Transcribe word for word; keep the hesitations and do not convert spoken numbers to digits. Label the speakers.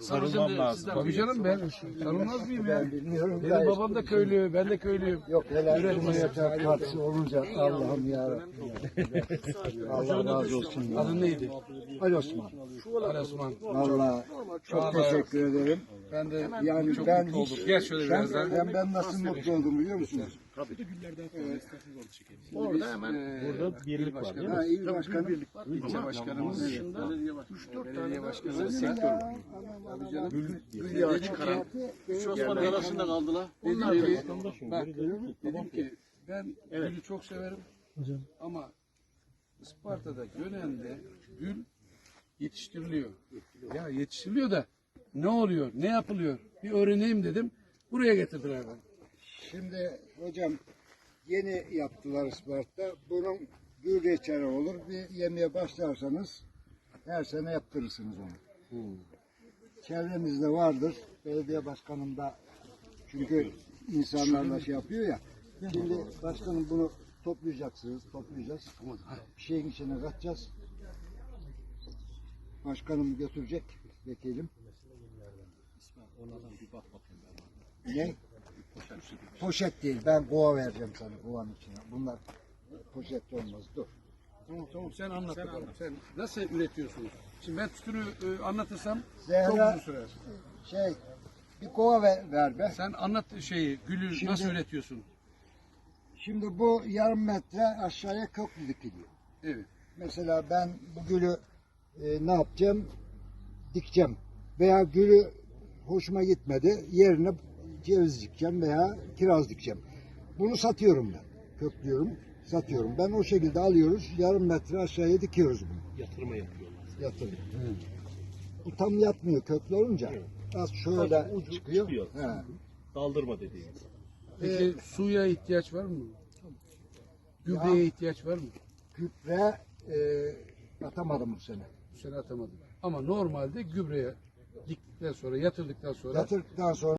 Speaker 1: Sarılmam lazım.
Speaker 2: Tabii canım ben sarılmaz mıyım ya?
Speaker 3: Ben bilmiyorum.
Speaker 2: Benim
Speaker 3: da
Speaker 2: babam da köylü, ben de köylüyüm.
Speaker 3: Yok helal
Speaker 2: Üretime
Speaker 3: Cumhuriyet Partisi olunca Allah'ım yarabbim. Allah razı olsun. Ya.
Speaker 2: Adın neydi?
Speaker 3: Ali Osman.
Speaker 2: Ali Osman.
Speaker 3: Vallahi çok teşekkür ederim.
Speaker 2: Ben de
Speaker 3: Yani
Speaker 2: çok
Speaker 3: ben
Speaker 2: mutlu oldum.
Speaker 3: hiç,
Speaker 2: Gel şöyle
Speaker 3: ben,
Speaker 2: biraz daha.
Speaker 3: ben, ben nasıl mutlu oldum biliyor musunuz?
Speaker 2: Orada hemen burada birlik var değil mi?
Speaker 3: Ha, il başkanı.
Speaker 2: İlçe başkanımız dışında üç dört belediye başkanı sektör var. Tabii canım. Gül çıkaran. Şu Osman'ın arasında kaldılar. Onlar gibi. Bak dedim ki ben gülü çok severim. Ama Isparta'da Gönen'de gül yetiştiriliyor. Ya yetiştiriliyor da ne oluyor, ne yapılıyor? Bir öğreneyim dedim. Buraya getirdiler beni.
Speaker 3: Şimdi hocam yeni yaptılar Isparta. Bunun gül reçeli olur. Bir yemeye başlarsanız her sene yaptırırsınız onu. Hmm. Çevremizde vardır. Belediye başkanım da çünkü insanlarla şey yapıyor ya. Şimdi başkanım bunu toplayacaksınız. Toplayacağız. Bir şeyin içine katacağız. Başkanım götürecek. Vekilim. Ne? Poşet değil. Ben kova vereceğim sana kovanın içine. Bunlar poşet olmaz. Dur.
Speaker 2: Tamam tamam sen anlat sen bakalım. Sen nasıl üretiyorsunuz? Şimdi ben tütünü e, anlatırsam
Speaker 3: Zehra,
Speaker 2: çok uzun sürer.
Speaker 3: Şey, bir kova ver, ver be.
Speaker 2: Sen anlat şeyi, gülü
Speaker 3: Şimdi-
Speaker 2: nasıl üretiyorsun?
Speaker 3: Şimdi bu yarım metre aşağıya köklü dikiliyor.
Speaker 2: Evet.
Speaker 3: Mesela ben bu gülü e, ne yapacağım? Dikeceğim. Veya gülü hoşuma gitmedi. Yerine ceviz dikeceğim veya kiraz dikeceğim. Bunu satıyorum ben. Köklüyorum, satıyorum. Ben o şekilde alıyoruz. Yarım metre aşağıya dikiyoruz bunu.
Speaker 1: Yatırma yapıyorlar.
Speaker 3: Yatırım. Bu tam yatmıyor köklü olunca. Az şöyle
Speaker 1: Sadece ucu
Speaker 3: çıkıyor.
Speaker 1: çıkıyor.
Speaker 3: He.
Speaker 1: Daldırma dediğimiz.
Speaker 2: Peki suya ihtiyaç var mı? Gübreye
Speaker 3: Ya-
Speaker 2: ihtiyaç var mı?
Speaker 3: Gübre e, atamadım bu sene.
Speaker 2: Bu sene atamadım. Ama normalde gübreye diktikten sonra, yatırdıktan sonra
Speaker 3: Yatırdıktan sonra